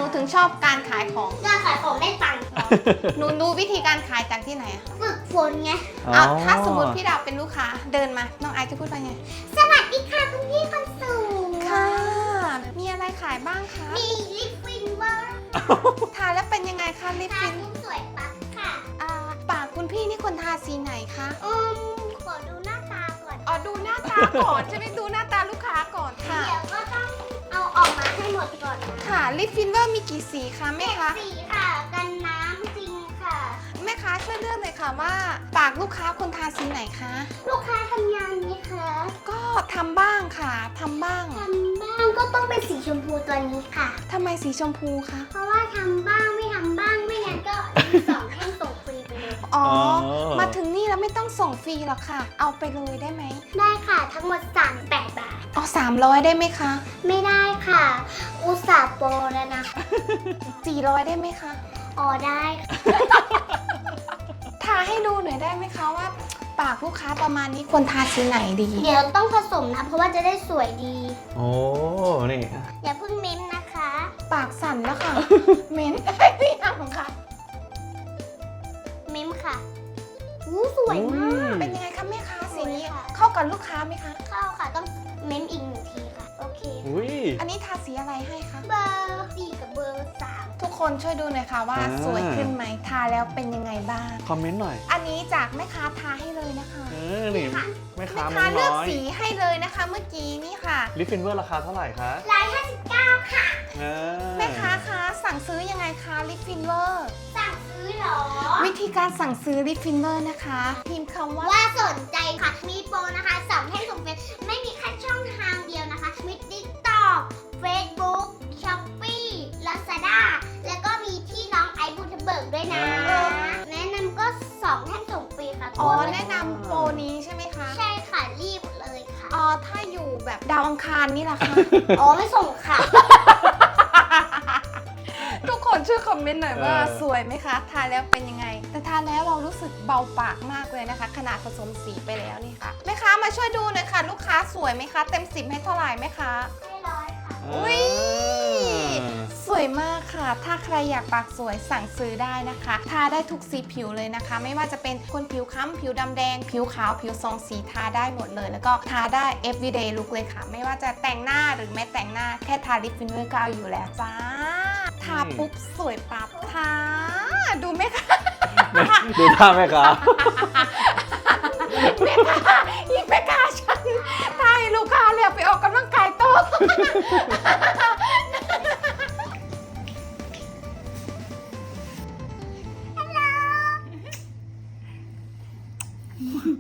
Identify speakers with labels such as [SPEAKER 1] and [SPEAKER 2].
[SPEAKER 1] นูถึงชอบการขายของ
[SPEAKER 2] การขายของได้ตังค์
[SPEAKER 1] หนูรู้วิธีการขายจากที่ไหนอะ
[SPEAKER 2] ฝึกฝนไง
[SPEAKER 1] เอาถ้าสมมติพี่ดาวเป็นลูกค้าเดินมาน้องไอซ์จะพูดว่าไง
[SPEAKER 2] สวัสดีค่ะคุณพี่คนสวย
[SPEAKER 1] ค่ะ มีอะไรขายบ้างคะ
[SPEAKER 2] มีลิปฟินเวอร์
[SPEAKER 1] ทาแล้วเป็นยังไงคะลิป
[SPEAKER 2] ทา
[SPEAKER 1] ฟิน
[SPEAKER 2] ทุกสวยปั๊บค่ะ
[SPEAKER 1] ปากคุณพี่นี่คนทาสีไหนคะ
[SPEAKER 2] ขอดูหน้าตาก่อน
[SPEAKER 1] อ๋อดูหน้าตาก่อนใช่ไหมดูหน้าตาลูกค้าก่อนค่ะ
[SPEAKER 2] เดี๋ยวก็ต้องเอาออกมาให้หมดก่อนนะ
[SPEAKER 1] ค่ะลิปฟินเวอร์มีกี่สีคะแม่คะ
[SPEAKER 2] สีค่ะกันน้ำจริงค่ะ
[SPEAKER 1] แม่ค้าช่วยเลือกหน่อยค่ะว่า ปากลูกค้าคนทาสีไหนคะ
[SPEAKER 2] ลูกค้าทำงานไหมคะ
[SPEAKER 1] ก็ทำบ้างค่ะทำบ้าง
[SPEAKER 2] ทำบ้างก็ต้องเป็นสีชมพูตัวนี้ค่ะ
[SPEAKER 1] ทำไมสีชมพูคะ
[SPEAKER 2] เพราะว่าทำบ้างไม่ทำบ้างไม่งั้นก็มีสองแท่งส่งฟรีไปเลย
[SPEAKER 1] อ๋อ มาถึงนี่แล้วไม่ต้องส่งฟรีหรอกค่ะ เอาไปเลยได้ไหม
[SPEAKER 2] ได้ค่ะทั้งหมด38 บาท
[SPEAKER 1] เอา300 ได้ไหมคะ
[SPEAKER 2] ไม่ได้ค่ะ อุตส่าห์โปรแล้วนะ
[SPEAKER 1] 400 ได้ไหมคะ
[SPEAKER 2] อ๋อได้ค่ะ
[SPEAKER 1] ทาให้ดูหน่อยได้ไหมคะว่า ปากลูกค้าประมาณนี้ควรทาสีไหนดี
[SPEAKER 2] เดี๋ยวต้องผสมนะ เพราะว่าจะได้สวยดี
[SPEAKER 3] โอ้นี่
[SPEAKER 2] อย่าเพิ่งเม้มนะคะ
[SPEAKER 1] ปากสั่นแล้วค่ะ เม้นได้หรือยังคะ
[SPEAKER 2] เม้มค่ะอู้สวยมาก
[SPEAKER 1] เป็นยังไงคะแม่ค้าสีนี้
[SPEAKER 2] สวยค่ะ
[SPEAKER 1] เข้ากับลูกค้าไหมคะ
[SPEAKER 2] เข้าค่ะต้องเม้มอีก1 ทีค่ะ โอเค
[SPEAKER 3] อุ้ย
[SPEAKER 1] อันนี้ทาสีอะไรให้คะ
[SPEAKER 2] เบอร์4กับเบอร์3
[SPEAKER 1] ทุกคนช่วยดูหน่อยค่ะว่า
[SPEAKER 3] อ่า
[SPEAKER 1] สวยขึ้นไหมทาแล้วเป็นยังไงบ้าง
[SPEAKER 3] คอมเมนต์หน่อย
[SPEAKER 1] อันนี้จากแม่ค้าทาให้เลยนะคะ
[SPEAKER 3] นี่แม่
[SPEAKER 1] แม่
[SPEAKER 3] ค้า
[SPEAKER 1] ค้า
[SPEAKER 3] มัน
[SPEAKER 1] เลือก
[SPEAKER 3] น้อย
[SPEAKER 1] สีให้เลยนะคะ เมื่อกี้นี่ค่ะ
[SPEAKER 3] ลิปฟินเวอร์ราคาเท่าไหร่คะ
[SPEAKER 2] 159ค่ะ
[SPEAKER 1] แม่ค้าคะสั่งซื้อยังไงคะลิปฟินเวอร์
[SPEAKER 2] สั่งซื้อเหรอ
[SPEAKER 1] วิธีการสั่งซื้อลิปฟินเวอร์นะคะพิมพ์คำว่า
[SPEAKER 2] ว่าสนใจค่ะ มีโปรนะคะ2แท่งส่งฟรีไม่มีแค่ช่องทางเดียวนะคะ มี TikTok Facebook Shopee Lazada แล้วก็มีที่น้องไอซ์บูทเบิร์กด้วยนะ แนะนำก็2แท่งส่งฟรีค่ะ
[SPEAKER 1] อ๋อแนะนำโปรนี้ใช่ไหมคะ
[SPEAKER 2] ใช่ค่ะ รีบเลยค่ะ
[SPEAKER 1] อ๋อถ้าอยู่แบบดาวอังคารนี่แหละคะ
[SPEAKER 2] อ๋อ ไม่ส่งค่ะ
[SPEAKER 1] ทุกคนช่วยคอมเมนต์หน่อยว่า
[SPEAKER 3] เออ
[SPEAKER 1] สวยไหมคะ ทาแล้วเป็นยังไง แต่ทาแล้วเรารู้สึกเบาปากมากเลยนะคะ ขนาดผสมสีไปแล้วนี่ค่ะแม่ค้ามาช่วยดูหน่อยค่ะ ลูกค้าสวยไหมคะ เต็ม10ให้เท่าไหร่ไหมคะ
[SPEAKER 2] ไม่ร้อยค่ะ
[SPEAKER 1] อุ๊ย สวยมากค่ะ ถ้าใครอยากปากสวยสั่งซื้อได้นะคะ ทาได้ทุกสีผิวเลยนะคะ ไม่ว่าจะเป็นคนผิวค้ำผิวดำแดง ผิวขาว ผิวทรงสีทาได้หมดเลย แล้วก็ทาได้ everyday look เลยค่ะ ไม่ว่าจะแต่งหน้าหรือไม่แต่งหน้า แค่ทาลิปฟินเวอร์ก็เอาอยู่แล้วจ้า ทาปุ๊บสวยปั๊บทาดูไหมคะ
[SPEAKER 3] ดูท่าแม่ค้า
[SPEAKER 1] แม่ค้าอีกแม่ค้าฉันทาให้ลูกค้าเลยไปออกกำลังกายโต๊ะ